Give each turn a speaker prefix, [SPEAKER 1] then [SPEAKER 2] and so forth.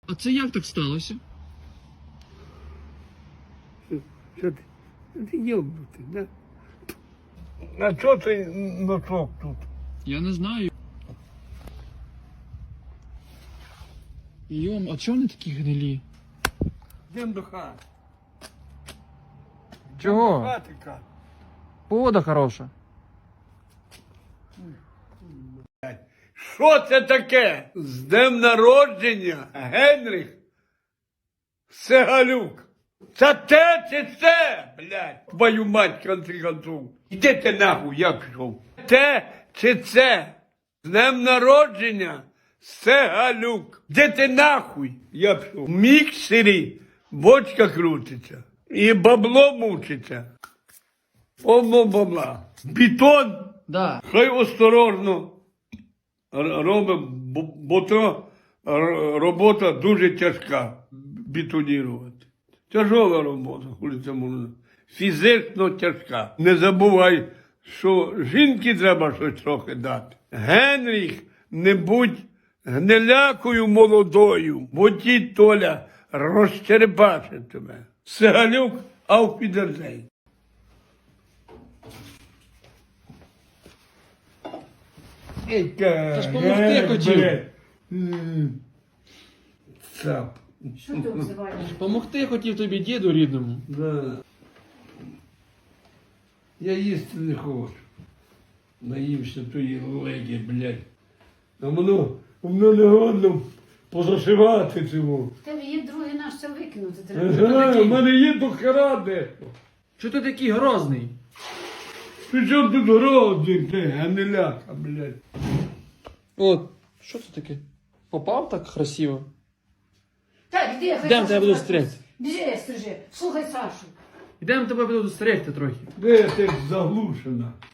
[SPEAKER 1] А це як так сталося?
[SPEAKER 2] Що ти? Ти йобнутий, да? А чого ти носок тут?
[SPEAKER 1] Я не знаю. Йом, а чого вони такі гнилі?
[SPEAKER 2] Йдемо до хати.
[SPEAKER 1] Чого?
[SPEAKER 2] Хати, Кат.
[SPEAKER 1] Погода хороша.
[SPEAKER 2] Що це таке? З днем народження, Генріх Сегалюк. Це те чи це, блядь? Твою мать, конці концов. Іди ти нахуй, я пішов. Те чи це? З днем народження Сегалюк. Де ти нахуй? Я пішов. В міксері бочка крутиться. І бабло мучиться. Повно бабла. Бетон.
[SPEAKER 1] Да.
[SPEAKER 2] Хай осторожно робимо, бо то робота дуже тяжка бетонувати. Тяжова робота, коли це можна. Фізично тяжка. Не забувай, що жінки треба щось трохи дати. Генріх, не будь гнилякою молодою, бо ті Толя розчерепачить тебе. Сегалюк, auf Wiedersehen.
[SPEAKER 1] Та ж помогти хотів.
[SPEAKER 2] Цап.
[SPEAKER 3] Що ти обзиваєш?
[SPEAKER 1] Помогти хотів тобі діду рідному.
[SPEAKER 2] Да. Я їсти не хочу. Наївся тої легі, блядь. А воно не годно позашивати цього.
[SPEAKER 3] В тебе є другий наш, це викинути
[SPEAKER 2] У
[SPEAKER 3] треба.
[SPEAKER 2] мене є до хера дехто.
[SPEAKER 1] Чого ти такий грозний?
[SPEAKER 2] Ти що тут грозний, ти, гниляка, блядь.
[SPEAKER 1] От, що це таке? Попав так красиво?
[SPEAKER 3] Так, іди, хай
[SPEAKER 1] Йдемо,
[SPEAKER 3] Сашу
[SPEAKER 1] тебе буду
[SPEAKER 3] так.
[SPEAKER 1] стригти.
[SPEAKER 3] Біжи, стрижи. Слухай Сашу.
[SPEAKER 1] Йдемо тебе буду стригти трохи.
[SPEAKER 2] Де ти заглушена?